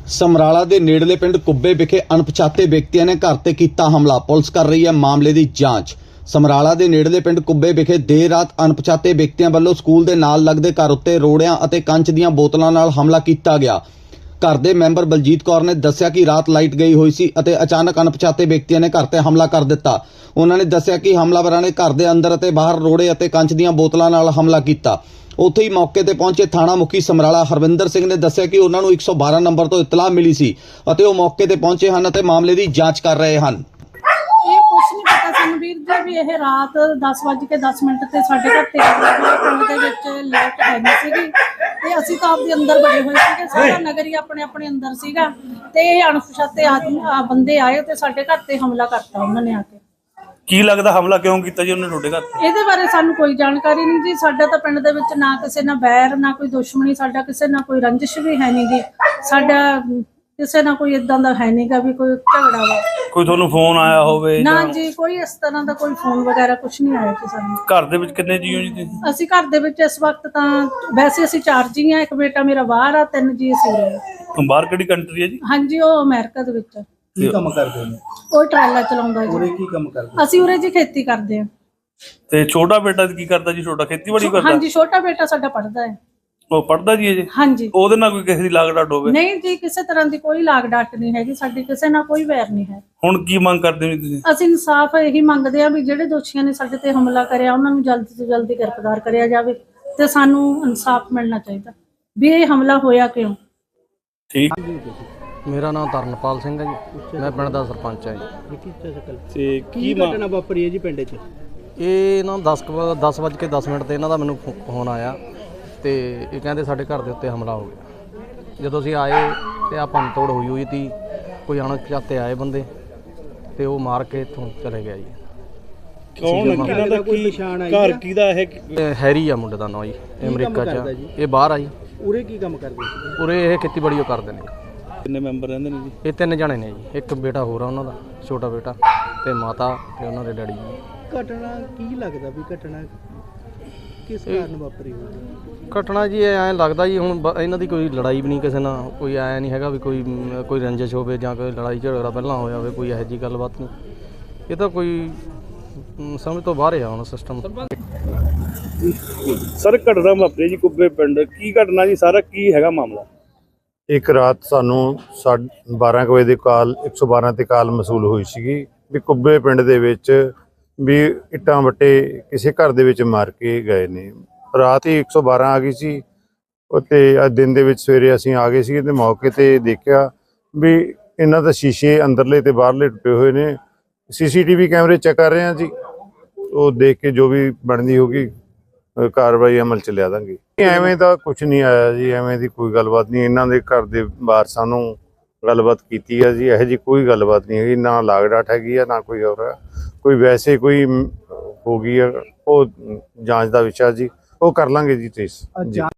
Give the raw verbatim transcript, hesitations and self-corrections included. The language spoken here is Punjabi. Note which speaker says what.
Speaker 1: ਸਮਰਾਲਾ ਦੇ ਨੇੜਲੇ ਪਿੰਡ ਕੁੱਬੇ ਵਿਖੇ ਅਣਪਛਾਤੇ ਵਿਅਕਤੀਆਂ ਨੇ ਘਰ ਤੇ ਕੀਤਾ ਹਮਲਾ। ਪੁਲਿਸ ਕਰ ਰਹੀ ਹੈ ਮਾਮਲੇ ਦੀ ਜਾਂਚ। ਸਮਰਾਲਾ ਦੇ ਨੇੜਲੇ ਪਿੰਡ ਕੁੱਬੇ ਵਿਖੇ ਦੇਰ ਰਾਤ ਅਣਪਛਾਤੇ ਵਿਅਕਤੀਆਂ ਵੱਲੋਂ ਸਕੂਲ ਦੇ ਨਾਲ ਲੱਗਦੇ ਘਰ ਉੱਤੇ ਰੋੜਿਆਂ ਅਤੇ ਕੰਚ ਦੀਆਂ ਬੋਤਲਾਂ ਨਾਲ ਹਮਲਾ ਕੀਤਾ ਗਿਆ। ਘਰ ਦੇ ਮੈਂਬਰ ਬਲਜੀਤ ਕੌਰ ਨੇ ਦੱਸਿਆ ਕਿ ਰਾਤ ਲਾਈਟ ਗਈ ਹੋਈ ਸੀ ਅਤੇ ਅਚਾਨਕ ਅਣਪਛਾਤੇ ਵਿਅਕਤੀਆਂ ਨੇ ਘਰ ਤੇ ਹਮਲਾ ਕਰ ਦਿੱਤਾ। ਉਹਨਾਂ ਨੇ ਦੱਸਿਆ ਕਿ ਹਮਲਾਵਰਾਂ ਨੇ ਘਰ ਦੇ ਅੰਦਰ ਅਤੇ ਬਾਹਰ ਰੋੜੇ ਅਤੇ ਕੰਚ ਦੀਆਂ ਬੋਤਲਾਂ ਨਾਲ ਹਮਲਾ ਕੀਤਾ। ਉੱਥੇ ਹੀ ਮੌਕੇ ਤੇ ਪਹੁੰਚੇ ਥਾਣਾ ਮੁਖੀ ਸਮਰਾਲਾ ਹਰਵਿੰਦਰ ਸਿੰਘ ਨੇ ਦੱਸਿਆ ਕਿ ਉਹਨਾਂ ਨੂੰ ਇੱਕ ਸੌ ਬਾਰਾਂ ਨੰਬਰ ਤੋਂ ਇਤਲਾਹ ਮਿਲੀ ਸੀ ਅਤੇ ਉਹ ਮੌਕੇ ਤੇ ਪਹੁੰਚੇ ਹਨ ਅਤੇ ਮਾਮਲੇ ਦੀ ਜਾਂਚ ਕਰ ਰਹੇ ਹਨ।
Speaker 2: ਇਹ ਕੁਛ ਨਹੀਂ ਪਤਾ ਸਾਨੂੰ ਵੀਰ ਜੀ ਵੀ ਇਹ ਰਾਤ ਦਸ ਵੱਜ ਕੇ ਦਸ ਮਿੰਟ ਤੇ ਸਾਡੇ ਘਰ ਤੇ ਪਿੰਡ ਦੇ ਵਿੱਚ ਲਾਈਟ ਹੈ ਨਹੀਂ ਸੀਗੀ ਤੇ ਅਸੀਂ ਤਾਂ ਆਪਦੇ ਅੰਦਰ ਬੜੇ ਹੋਏ ਸੀਗੇ। ਸਾਰਾ ਨਗਰ ਹੀ ਆਪਣੇ ਆਪਣੇ ਅੰਦਰ ਸੀਗਾ ਤੇ ਇਹ ਅਣਪਛਾਤੇ ਆਦਮੀ ਬੰਦੇ ਆਏ ਤੇ ਸਾਡੇ ਘਰ ਤੇ ਹਮਲਾ ਕਰਤਾ ਉਹਨਾਂ ਨੇ ਆ ਕੇ।
Speaker 3: ਕੀ ਲੱਗਦਾ ਹਮਲਾ ਕਿਉਂ ਕੀਤਾ ਜੀ ਉਹਨੇ ਤੁਹਾਡੇ ਘਰ ਤੇ?
Speaker 2: ਇਹਦੇ ਬਾਰੇ ਸਾਨੂੰ ਕੋਈ ਜਾਣਕਾਰੀ ਨਹੀਂ ਜੀ। ਸਾਡਾ ਤਾਂ ਪਿੰਡ ਦੇ ਵਿੱਚ ਨਾ ਕਿਸੇ ਨਾਲ ਬੈਰ ਨਾ ਕੋਈ ਦੁਸ਼ਮਣੀ, ਸਾਡਾ ਕਿਸੇ ਨਾਲ ਕੋਈ ਰੰਜਿਸ਼ ਵੀ ਹੈ ਨਹੀਂ ਗੀ। ਸਾਡਾ ਕਿਸੇ ਨਾਲ ਕੋਈ ਇਦਾਂ ਦਾ ਹੈ ਨਹੀਂਗਾ ਵੀ ਕੋਈ ਝਗੜਾ ਵਾ।
Speaker 3: ਕੋਈ ਤੁਹਾਨੂੰ ਫੋਨ ਆਇਆ ਹੋਵੇ?
Speaker 2: ਨਾ ਜੀ, ਕੋਈ ਇਸ ਤਰ੍ਹਾਂ ਦਾ ਕੋਈ ਫੋਨ ਵਗੈਰਾ ਕੁਝ ਨਹੀਂ ਆਇਆ ਜੀ ਸਾਨੂੰ।
Speaker 3: ਘਰ ਦੇ ਵਿੱਚ ਕਿੰਨੇ ਜੀ ਹੋ ਜੀ ਤੁਸੀਂ?
Speaker 2: ਅਸੀਂ ਘਰ ਦੇ ਵਿੱਚ ਇਸ ਵਕਤ ਤਾਂ ਵੈਸੇ ਅਸੀਂ ਚਾਰ ਜੀ ਆ। ਇੱਕ ਬੇਟਾ ਮੇਰਾ ਬਾਹਰ ਆ, ਤਿੰਨ ਜੀ ਅਸੀਂ ਉਰੇ।
Speaker 3: ਬਾਹਰ ਕਿਹੜੀ ਕੰਟਰੀ ਹੈ ਜੀ?
Speaker 2: ਹਾਂਜੀ, ਉਹ ਅਮਰੀਕਾ ਦੇ ਵਿੱਚ।
Speaker 4: ਕੀ ਕੰਮ ਕਰਦੇ ਨੇ?
Speaker 2: ਉਹ ਟਰਾਲਾ ਚਲਾਉਂਦਾ ਜੀ।
Speaker 4: ਉਰੇ ਕੀ ਕੰਮ ਕਰਦੇ?
Speaker 2: ਅਸੀਂ ਉਰੇ ਜੀ ਖੇਤੀ ਕਰਦੇ ਆ।
Speaker 3: ਤੇ ਛੋਟਾ ਬੇਟਾ ਕੀ ਕਰਦਾ ਜੀ? ਛੋਟਾ ਖੇਤੀਬਾੜੀ ਕਰਦਾ?
Speaker 2: ਹਾਂਜੀ, ਛੋਟਾ ਬੇਟਾ ਸਾਡਾ ਪੜ੍ਹਦਾ ਹੈ।
Speaker 3: ਉਹ ਪੜ੍ਹਦਾ ਜੀ ਅਜੇ?
Speaker 2: ਹਾਂਜੀ।
Speaker 3: ਉਹਦੇ ਨਾਲ ਕੋਈ ਕਿਸੇ ਦੀ ਲਾਗ ਡਾਟ ਹੋਵੇ?
Speaker 2: ਨਹੀਂ ਜੀ, ਕਿਸੇ ਤਰ੍ਹਾਂ ਦੀ ਕੋਈ ਲਾਗ ਡਾਟ ਨਹੀਂ ਹੈਗੀ ਸਾਡੀ, ਕਿਸੇ ਨਾਲ ਕੋਈ ਵੈਰ ਨਹੀਂ ਹੈ।
Speaker 3: ਹੁਣ ਕੀ ਮੰਗ ਕਰਦੇ ਹੋ ਤੁਸੀਂ?
Speaker 2: ਅਸੀਂ ਇਨਸਾਫ ਇਹੀ ਮੰਗਦੇ ਆ ਵੀ ਜਿਹੜੇ ਦੋਸ਼ੀਆਂ ਨੇ ਸਾਡੇ ਤੇ ਹਮਲਾ ਕਰਿਆ ਉਹਨਾਂ ਨੂੰ ਜਲਦੀ ਤੋਂ ਜਲਦੀ ਗ੍ਰਿਫਤਾਰ ਕਰਿਆ ਜਾਵੇ ਤੇ ਸਾਨੂੰ ਇਨਸਾਫ ਮਿਲਣਾ ਚਾਹੀਦਾ ਵੀ ਇਹ ਹਮਲਾ ਹੋਇਆ ਕਿਉਂ।
Speaker 3: ਠੀਕ।
Speaker 5: ਮੇਰਾ ਨਾਮ ਤਰਨਪਾਲ ਸਿੰਘ ਹੈ ਜੀ, ਮੈਂ ਪਿੰਡ ਦਾ ਸਰਪੰਚ ਹਾਂ ਜੀ।
Speaker 4: ਤੇ ਕੀ ਘਟਨਾ ਵਾਪਰੀ ਹੈ ਜੀ ਪਿੰਡ 'ਚ?
Speaker 5: ਇਹ ਨਾ ਦਸ ਦਸ ਵੱਜ ਕੇ ਦਸ ਮਿੰਟ ਤੇ ਇਹਨਾਂ ਦਾ ਮੈਨੂੰ ਫੋਨ ਆਇਆ ਤੇ ਇਹ ਕਹਿੰਦੇ ਸਾਡੇ ਘਰ ਦੇ ਉੱਤੇ ਹਮਲਾ ਹੋ ਗਿਆ। ਜਦੋਂ ਅਸੀਂ ਆਏ ਤੇ ਆ ਭੰਨ ਤੋੜ ਹੋਈ ਹੋਈ ਸੀ। ਕੋਈ ਅਣਪਛਾਤੇ ਆਏ ਬੰਦੇ ਤੇ ਉਹ ਮਾਰ ਕੇ ਇੱਥੋਂ ਚਲੇ ਗਿਆ ਜੀ।
Speaker 3: ਕੌਣ ਕਿਹਨਾਂ ਦਾ ਕੀ ਘਰ ਕਿਹਦਾ ਇਹ?
Speaker 5: ਇਹ ਹੈਰੀ ਆ ਮੁੰਡੇ ਦਾ ਨਾਂ ਜੀ, ਇਹ ਅਮਰੀਕਾ 'ਚ। ਇਹ ਬਾਹਰ ਆ ਜੀ।
Speaker 4: ਉਰੇ ਕੀ ਕੰਮ ਕਰਦੇ ਸੀ?
Speaker 5: ਉਰੇ ਇਹ ਖੇਤੀਬਾੜੀ ਉਹ ਕਰਦੇ ਨੇ।
Speaker 3: ਕਿੰਨੇ ਮੈਂਬਰ ਰਹਿੰਦੇ ਨੇ ਜੀ?
Speaker 5: ਇਹ ਤਿੰਨ ਜਣੇ ਨੇ ਜੀ, ਇੱਕ ਬੇਟਾ ਹੋਰ ਆ ਉਹਨਾਂ ਦਾ, ਛੋਟਾ ਬੇਟਾ, ਤੇ ਮਾਤਾ ਤੇ ਉਹਨਾਂ ਦੇ ਡੈਡੀ ਜੀ।
Speaker 4: ਘਟਨਾ ਕੀ ਲੱਗਦਾ ਵੀ ਘਟਨਾ ਕਿਸ ਕਾਰਨ ਵਾਪਰੀ ਹੋਈ?
Speaker 5: ਘਟਨਾ ਜੀ ਐਂ ਲੱਗਦਾ ਜੀ ਹੁਣ ਬ- ਇਹਨਾਂ ਦੀ ਕੋਈ ਲੜਾਈ ਵੀ ਨਹੀਂ ਕਿਸੇ ਨਾਲ, ਕੋਈ ਐਂ ਨਹੀਂ ਹੈਗਾ ਵੀ ਕੋਈ ਮ, ਕੋਈ ਰੰਜਿਸ਼ ਹੋਵੇ ਜਾਂ ਕੋਈ ਲੜਾਈ ਝਗੜਾ ਪਹਿਲਾਂ ਹੋਇਆ ਹੋਵੇ, ਕੋਈ ਇਹੋ ਜਿਹੀ ਗੱਲਬਾਤ ਨਹੀਂ। ਇਹ ਤਾਂ ਕੋਈ ਮ, ਸਮਝ ਤੋਂ ਬਾਹਰ ਆ ਹੁਣ ਸਿਸਟਮ।
Speaker 3: ਸਰ ਘਟਨਾ ਵਾਪਰੀ ਜੀ ਕੁੱਬੇ ਪਿੰਡ, ਕੀ ਘਟਨਾ ਜੀ? ਸਾਰਾ ਕੀ ਹੈਗਾ ਮਾਮਲਾ?
Speaker 6: ਇੱਕ ਰਾਤ ਸਾਨੂੰ ਸਾਢੇ ਬਾਰਾਂ ਕੁ ਵਜੇ ਦੀ ਕਾਲ ਇੱਕ ਸੌ ਬਾਰਾਂ ਤੇ ਕਾਲ ਮਸੂਲ ਹੋਈ ਸੀਗੀ ਵੀ ਕੁੱਬੇ ਪਿੰਡ ਦੇ ਵਿੱਚ ਵੀ ਇੱਟਾਂ ਵੱਟੇ ਕਿਸੇ ਘਰ ਦੇ ਵਿੱਚ ਮਾਰ ਕੇ ਗਏ ਨੇ। ਰਾਤ ਹੀ ਇੱਕ ਸੌ ਬਾਰਾਂ ਆ ਗਈ ਸੀ ਅਤੇ ਅੱਜ ਦਿਨ ਦੇ ਵਿੱਚ ਸਵੇਰੇ ਅਸੀਂ ਆ ਗਏ ਸੀ ਤੇ ਮੌਕੇ ਤੇ ਦੇਖਿਆ ਵੀ ਇਹਨਾਂ ਦਾ ਸ਼ੀਸ਼ੇ ਅੰਦਰਲੇ ਤੇ ਬਾਹਰਲੇ ਟੁੱਟੇ ਹੋਏ ਨੇ। ਸੀਸੀਟੀਵੀ ਕੈਮਰੇ ਚੈੱਕ ਕਰ ਰਹੇ ਹਾਂ ਜੀ, ਉਹ ਦੇਖ ਕੇ ਜੋ ਵੀ ਬਣਦੀ ਹੋਗੀ ਕਾਰਵਾਈ ਅਮਲ ਚ ਲਿਆ ਦਾਂਗੇ। ਐਵੇਂ ਦਾ ਕੁਝ ਨਹੀਂ ਆਇਆ ਜੀ, ਐਵੇਂ ਦੀ ਕੋਈ ਗੱਲਬਾਤ ਨਹੀਂ। ਇਹਨਾਂ ਦੇ ਘਰ ਦੇ ਵਾਰਸਾਂ ਨੂੰ ਗੱਲਬਾਤ ਕੀਤੀ ਆ ਜੀ, ਇਹੋ ਜਿਹੀ ਕੋਈ ਗੱਲਬਾਤ ਨਹੀਂ ਹੈਗੀ। ਨਾ ਲਾਗ ਡਾਟ ਹੈਗੀ ਆ, ਨਾ ਕੋਈ ਹੋਰ ਹੈ। ਕੋਈ ਵੈਸੇ ਕੋਈ ਹੋ ਗਈ ਆ, ਉਹ ਜਾਂਚ ਦਾ ਵਿਸ਼ਾ ਜੀ, ਉਹ ਕਰ ਲਾਂਗੇ ਜੀ ਟ੍ਰੇਸ ਜੀ।